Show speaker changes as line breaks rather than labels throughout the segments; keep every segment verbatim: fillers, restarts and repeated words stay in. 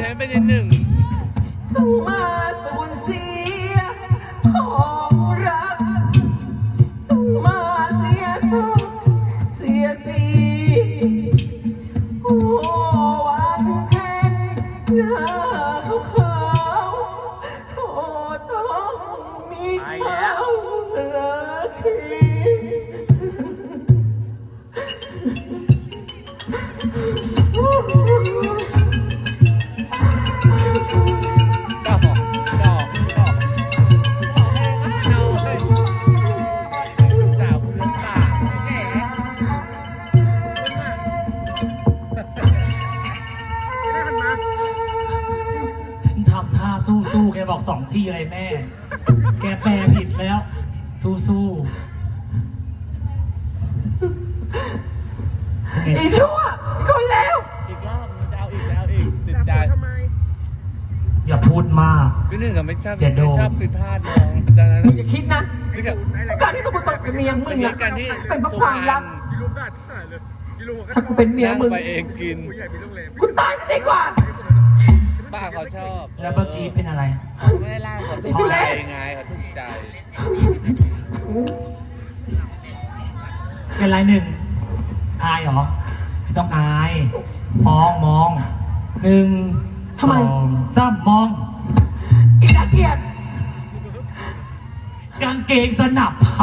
นเป็นที่หนึ่ง
ต้องมาสูญเสียของรักต้องมาเสียสุขเสียสีโอ้วันเพ็ญหน้าขาวๆโทษต้องมีเขาเหลือที
สู้ๆแกบอกสองที่อะไรแม่แกแปลผิดแล้วสู้ๆ
ไอ้ชั่วคนแล้ว
อีกรอบมันจะเอาอีกแล้วอีกติดใจ
อย่าพูดมาก
พี่หนึ่งกับไม่ชอบไม่ชอบผิดพลาดน้องดังนั้น
อย่าคิดนะการที่ตัวกูตกเป็นเมียมึงนะเป็นเพราะความรักเป็นเมียมึง
ไปเองกิน
กูตายดีกว่า
ป้าเขาชอบ
แล้วเมื่อกี้เป็นอะไร
เขาไม่ได้ล่าเขาถูกใจไงเขาถูกใจ
เป็นไรหนึ่งอายเหรอไม่ต้องอายมองมองหนึ่งสองสามมอง
อีกนักเกียรติ
กางเกงสนับเผา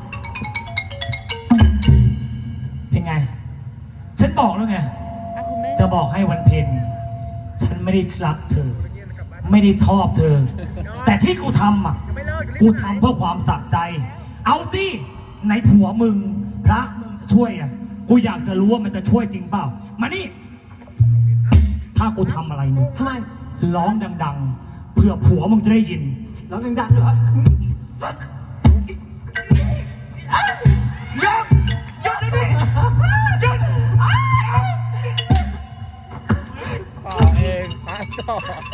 เป็นไงฉันบอกแล้วไงจะบอกให้วันเพ็ญฉันไม่ได้รักเธอไม่ได้ชอบเธอแต่ที่กูทำอ่ะกูทำเพื่อความสะใจเอาสิในผัวมึงพระมึงจะช่วยอ่ะกูอยากจะรู้ว่ามันจะช่วยจริงเปล่ามานี่ถ้ากูทำอะไรมึง
ทำไม
ร้องดังๆเพื่อผัวมึงจะได้ยิน
ร้องดังๆเหรอ
หยุดหยุดเลยดิหยุด
ต่อเองมาต่อ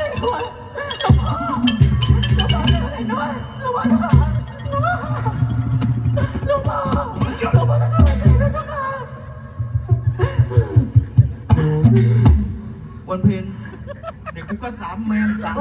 วันเพ็ญเดี๋ยวกูก็สามแมนสาม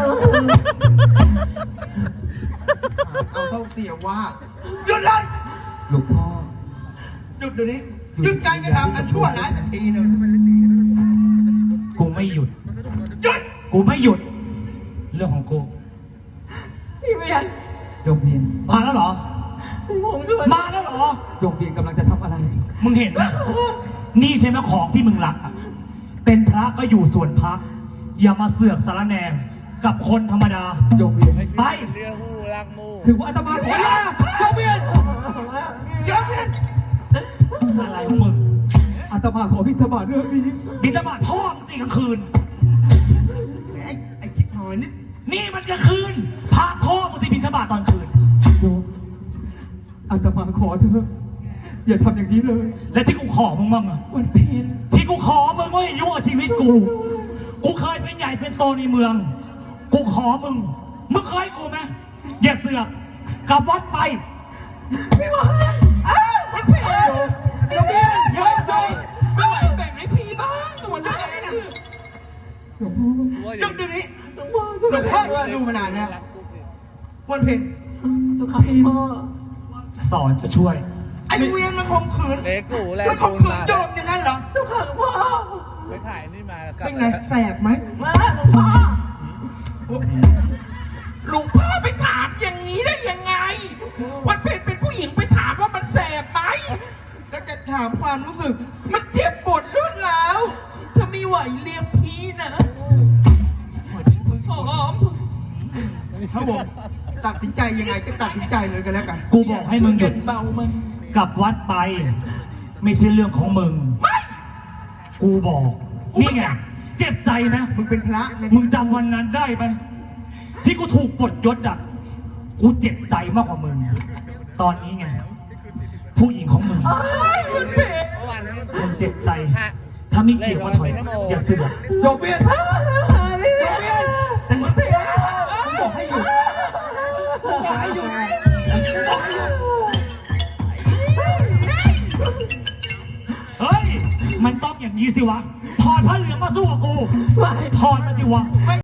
เอาเท่าเสียว่าหยุดเลย
ลูกพ่อ
หยุดเดี๋ยวนี้หยุดการกระทำอันชั่วร้ายสักทีหนึ่ง
กูไม่หยุด
หยุด
กูไม่หยุดเรื่องของกู
พี่เวียน
โยมเวียนมาแล้วเหรอมาแล้วเหรอ
โยมเวียนกำลังจะทำอะไร
มึงเห็นไหมนี่ใช่ไหมของที่มึงรักอ่ะเป็นพระก็อยู่ส่วนพระอย่ามาเสือกสารแนงกับคนธรรมดา
โยมเวียน
ไป
เรียกหูรักมู
ถือว่าอาตมาขอลาโยมเวียน
โยมเวียนอะไรของมึง
อาตมาขอบิณฑบาตเรื่องนี้
บิณฑบาตพ่อมึงสิกลางคืน
ไอ้ไอ้คิดหอยนี่
นี่มันกลางคืนพระพ่อมึงสิบิณฑบาตตอนคืน
โยมอาตมาขอเถอะอย่าทำอย่างนี้เลย
และที่กูขอมึงมั่งอะ
วันเพ็ญ
ที่กูขอมึงว่าอย่ายุ่งกับชีวิตกูกูเคยเป็นใหญ่เป็นโตในเมืองกูขอมึงมึงเคยกูไหมอย่าเสือกกลับวัดไป
ไม่ไหวอ้าววันเพ็ญโยมเวียนโยมโยมไม่ไหวแบ่งให้พี่บ้างหนูนะหลวงพ่อ
หยุดเดี๋ยวนี้
หลวงพ่อ
หลวงพ่อดูมานานแล้ววันเพ็ญ
เจ้าค่ะพ่อ
จะสอนจะช่วย
ไอ้เวียนมันข่มขืนมันข่มขืนโยมอย่างนั้นเหรอ
เจ้าค่ะหลวงพ่อ
ไปถ่ายนี่มา
เป็นไงแสบไหม
มาหลวงพ่อหลวงพ่อไปถามอย่างนี้ได้ยังไงวันเพ็ญเป็นผู้หญิงไปถามว่ามันแสบไหม
ก็จะถามความรู้สึก
มันเจ็บปวดรุนแล้วถ้าไม่ไหวเรียกพี่นะหอม
ครับผมตัดสินใจยังไงก็ตัดสินใจเลยกันแล้วกัน
กูบอกให้มึงหยุด
เบามัน
กลับวัดไปไม่ใช่เรื่องของมึงกูบอกนี่ไงเจ็บใจไหม
มึงเป็นพระ
มึงจำวันนั้นได้ไหมที่กูถูกปลดยศอ่ะกูเจ็บใจมากกว่ามึงตอนนี้ไงผู้หญิงของมึงมึงเจ็บใจถ้าไม่เกี่ยวก็ถอยอย่าเสือก
โยมเวียนโยมเวียนแต่มันเพี้ยนบอกให้หยุดบอกให้หยุดบอกให้หยุด
เฮ้ยมันต้องอย่างนี้สิวะถอดผ้าเหลืองมาสู้กับกู
ไม่
ถอดมันดิวะ